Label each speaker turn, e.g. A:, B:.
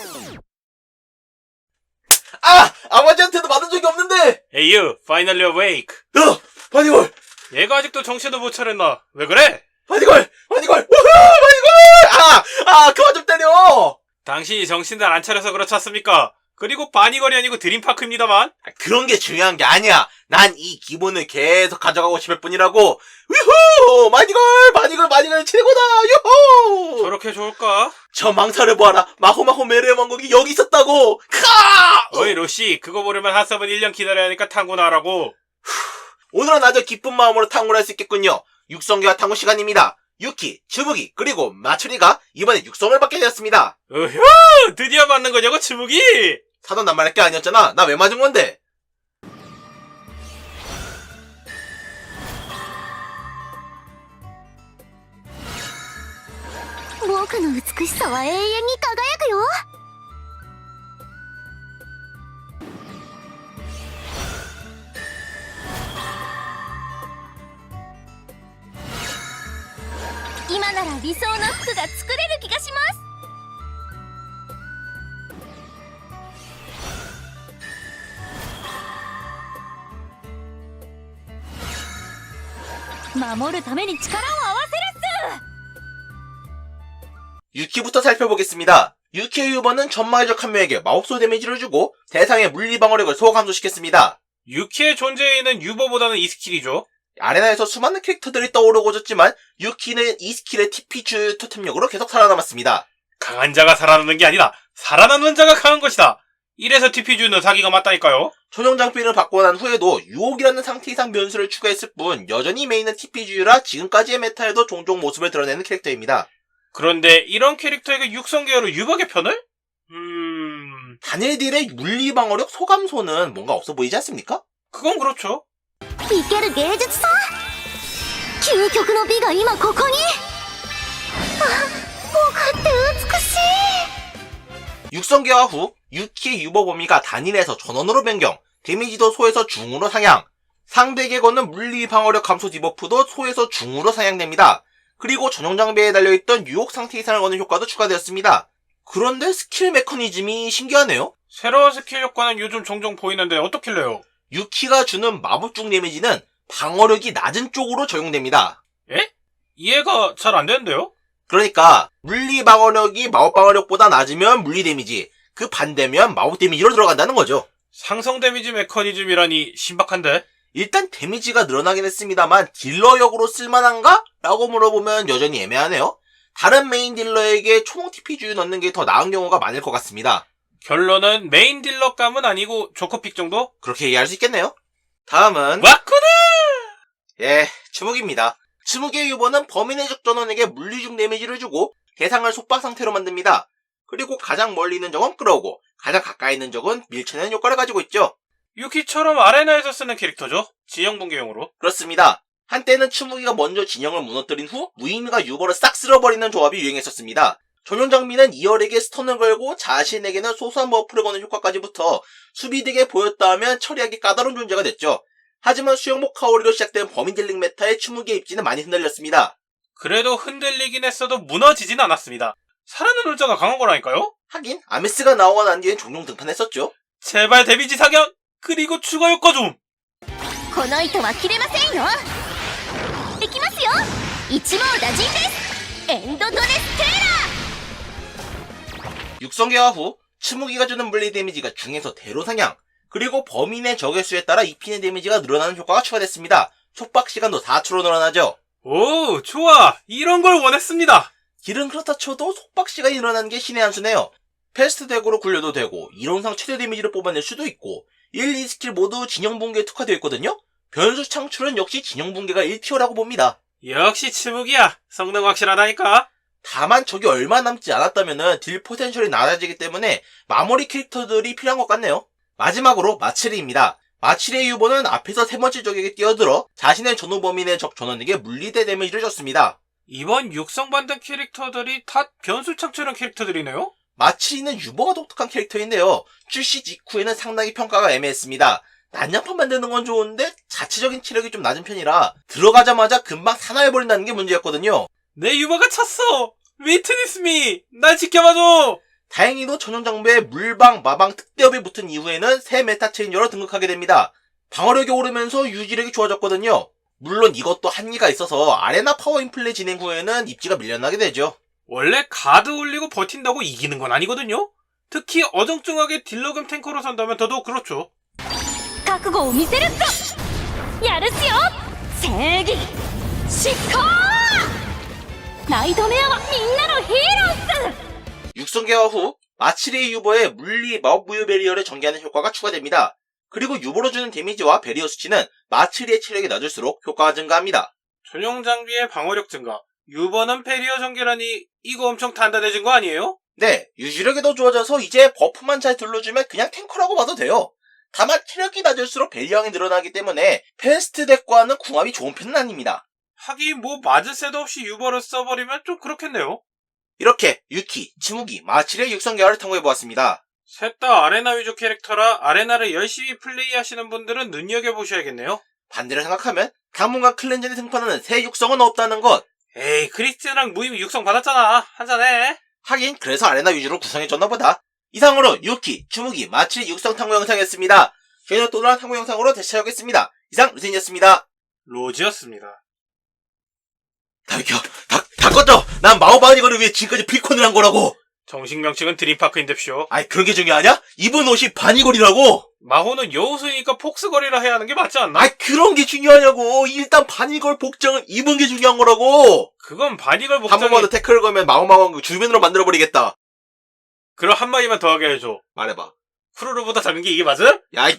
A: 아버지한테도 받은 적이 없는데!
B: Hey you, finally awake.
A: 바니걸!
B: 얘가 아직도 정신을 못 차렸나? 왜 그래?
A: 바니걸! 우후! 바니걸! 그만 좀 때려!
B: 당신이 정신을 안 차려서 그렇지 않습니까? 그리고 바니걸이 아니고 드림파크입니다만.
A: 그런 게 중요한 게 아니야. 난 이 기본을 계속 가져가고 싶을 뿐이라고. 유후! 바니걸 최고다! 유후!
B: 저렇게 좋을까?
A: 저 망사를 보아라. 마호마호 메르의 왕국이 여기 있었다고!
B: 어이 로시, 그거 보려면 한섭은 1년 기다려야 하니까 탕구나 하라고.
A: 오늘은 아주 기쁜 마음으로 탕후를 할 수 있겠군요. 육성계와 탕후 시간입니다. 유키, 츠무기, 그리고 마츠리가 이번에 육성을 받게 되었습니다.
B: 으휴! 드디어 맞는 거냐고, 츠무기!
A: 사돈 낱말할 게 아니었잖아. 나 왜 맞은 건데?
C: 僕の美しさは永遠に輝くよ。今なら理想の服が作れる気がします。守るために力を合わせるっす。
A: 유키부터 살펴보겠습니다. 유키의 유버는 전마의적 한 명에게 마법소 데미지를 주고 대상의 물리방어력을 소화 감소시켰습니다.
B: 유키의 존재에는 유버보다는 이 스킬이죠.
A: 아레나에서 수많은 캐릭터들이 떠오르고 졌지만 유키는 이 스킬의 TP 토템력으로 계속 살아남았습니다.
B: 강한 자가 살아남는 게 아니라 살아남는 자가 강한 것이다. 이래서 TP주는 사기가 맞다니까요.
A: 초정 장비를 받고 난 후에도 유혹이라는 상태 이상 변수를 추가했을 뿐 여전히 메인은 TPG라 지금까지의 메타에도 종종 모습을 드러내는 캐릭터입니다.
B: 그런데 이런 캐릭터에게 육성계열로 유박의 편을?
A: 단일딜의 물리방어력 소감소는 뭔가 없어 보이지 않습니까?
B: 그건 그렇죠.
C: 生ける芸術さ。究極の美が今ここに。僕って美しい。
A: 육성계화 후 유키의 유버 범위가 단일에서 전원으로 변경, 데미지도 소에서 중으로 상향, 상대에게 거는 물리방어력 감소 디버프도 소에서 중으로 상향됩니다. 그리고 전용 장비에 달려있던 유혹 상태 이상을 거는 효과도 추가되었습니다. 그런데 스킬 메커니즘이 신기하네요.
B: 새로운 스킬 효과는 요즘 종종 보이는데 어떻길래요?
A: 유키가 주는 마법중 데미지는 방어력이 낮은 쪽으로 적용됩니다.
B: 에? 이해가 잘 안 되는데요?
A: 그러니까 물리 방어력이 마법 방어력보다 낮으면 물리 데미지, 그 반대면 마법 데미지로 들어간다는 거죠.
B: 상성 데미지 메커니즘이라니 신박한데?
A: 일단 데미지가 늘어나긴 했습니다만 딜러역으로 쓸만한가? 라고 물어보면 여전히 애매하네요. 다른 메인 딜러에게 총 TP주 넣는 게 더 나은 경우가 많을 것 같습니다.
B: 결론은 메인 딜러감은 아니고 조커픽 정도?
A: 그렇게 이해할 수 있겠네요. 다음은
B: 왔구나!
A: 츠무기입니다. 츠무기의 유버는 범인의 적 전원에게 물리중 데미지를 주고 대상을 속박 상태로 만듭니다. 그리고 가장 멀리 있는 적은 끌어오고 가장 가까이 있는 적은 밀쳐내는 효과를 가지고 있죠.
B: 유키처럼 아레나에서 쓰는 캐릭터죠. 진영 붕괴용으로.
A: 그렇습니다. 한때는 츠무기가 먼저 진영을 무너뜨린 후 무의미가 유버를 싹 쓸어버리는 조합이 유행했었습니다. 전용 장비는 2열에게 스턴을 걸고 자신에게는 소소한 버프를 거는 효과까지 붙어 수비덱에 보였다 하면 처리하기 까다로운 존재가 됐죠. 하지만 수영복 카오리로 시작된 범인 딜링 메타의 츠무기의 입지는 많이 흔들렸습니다.
B: 그래도 흔들리긴 했어도 무너지진 않았습니다. 살아남는 자가 강한 거라니까요?
A: 하긴 아메스가 나오고 난 뒤엔 종종 등판했었죠.
B: 제발 데미지 사격! 그리고 추가 효과 좀!
C: この糸は切れませんよ。いきますよ。一網打尽です。エンドドレステーラー。
A: 육성계화 후 츠무기가 주는 물리 데미지가 중에서 대로 상향, 그리고 범인의 적의 수에 따라 입히는 데미지가 늘어나는 효과가 추가됐습니다. 속박 시간도 4초로 늘어나죠.
B: 오, 좋아! 이런 걸 원했습니다!
A: 길은 그렇다 쳐도 속박 시간이 늘어나는 게 신의 한 수네요. 패스트 덱으로 굴려도 되고 이론상 최대 데미지를 뽑아낼 수도 있고 1, 2스킬 모두 진영 붕괴에 특화되어 있거든요. 변수 창출은 역시 진영 붕괴가 1티어라고 봅니다.
B: 역시 츠무기야! 성능 확실하다니까?
A: 다만 적이 얼마 남지 않았다면 딜 포텐셜이 낮아지기 때문에 마무리 캐릭터들이 필요한 것 같네요. 마지막으로 마츠리입니다. 마츠리의 유보는 앞에서 세 번째 적에게 뛰어들어 자신의 전후 범인의 적 전원에게 물리대 데미지를 줬습니다.
B: 이번 육성받은 캐릭터들이 다 변수 창출한 캐릭터들이네요?
A: 마츠리는 유보가 독특한 캐릭터인데요. 출시 직후에는 상당히 평가가 애매했습니다. 난장판 만드는 건 좋은데 자체적인 체력이 좀 낮은 편이라 들어가자마자 금방 사나워버린다는 게 문제였거든요.
B: 내 유머가 찼어! 위트니스 미! 날 지켜봐줘!
A: 다행히도 전용 장비에 물방, 마방, 특대업이 붙은 이후에는 새 메타 체인저로 등극하게 됩니다. 방어력이 오르면서 유지력이 좋아졌거든요. 물론 이것도 한계가 있어서 아레나 파워 인플레 진행 후에는 입지가 밀려나게 되죠.
B: 원래 가드 올리고 버틴다고 이기는 건 아니거든요. 특히 어정쩡하게 딜러금 탱커로 선다면 더더욱 그렇죠.
C: 覚悟を見せるぞやるっすよ正義執行ナイトメアはみんなのヒーローっす
A: 육성계화 후 마치리의 유버에 물리 마법 무효 베리어를 전개하는 효과가 추가됩니다. 그리고 유버로 주는 데미지와 베리어 수치는 마치리의 체력이 낮을수록 효과가 증가합니다.
B: 전용 장비의 방어력 증가, 유버는 페리어 전개라니 이거 엄청 단단해진 거 아니에요?
A: 네, 유지력이 더 좋아져서 이제 버프만 잘 둘러주면 그냥 탱커라고 봐도 돼요. 다만 체력이 낮을수록 베리어량이 늘어나기 때문에 패스트 덱과는 궁합이 좋은 편은 아닙니다.
B: 하긴 뭐 맞을 새도 없이 유버를 써버리면 좀 그렇겠네요.
A: 이렇게 유키, 치무기, 마치리의 육성계화를 탐구해보았습니다.
B: 셋 다 아레나 위주 캐릭터라 아레나를 열심히 플레이하시는 분들은 눈여겨보셔야겠네요.
A: 반대로 생각하면 가문과 클렌전에 등판하는 새 육성은 없다는 것.
B: 에이, 크리스티랑 무임 육성 받았잖아. 한잔해.
A: 하긴 그래서 아레나 위주로 구성해줬나 보다. 이상으로 유키, 추무기, 마치리 육성 탐구 영상이었습니다. 저희는 또 다른 탐구 영상으로 다시 찾아오겠습니다. 이상 루틴이었습니다.
B: 로지였습니다.
A: 다 비켜. 다 꺼져. 난 마오바은 이거를 위해 지금까지 피콘을 한 거라고.
B: 정식 명칭은 드림파크인뎁쇼.
A: 아이 그런 게 중요하냐? 입은 옷이 바니걸이라고.
B: 마호는 여우수이니까 폭스걸이라 해야 하는 게 맞지 않나?
A: 아이 그런 게 중요하냐고. 일단 바니걸 복장을 입은 게 중요한 거라고.
B: 그건 바니걸
A: 한
B: 복장이...
A: 번만 더 태클을 걸면 마오마왕 주변으로 만들어버리겠다.
B: 그럼 한마디만 더 하게 해줘.
A: 말해봐.
B: 쿠루루보다 작은 게 이게 맞음?
A: 야,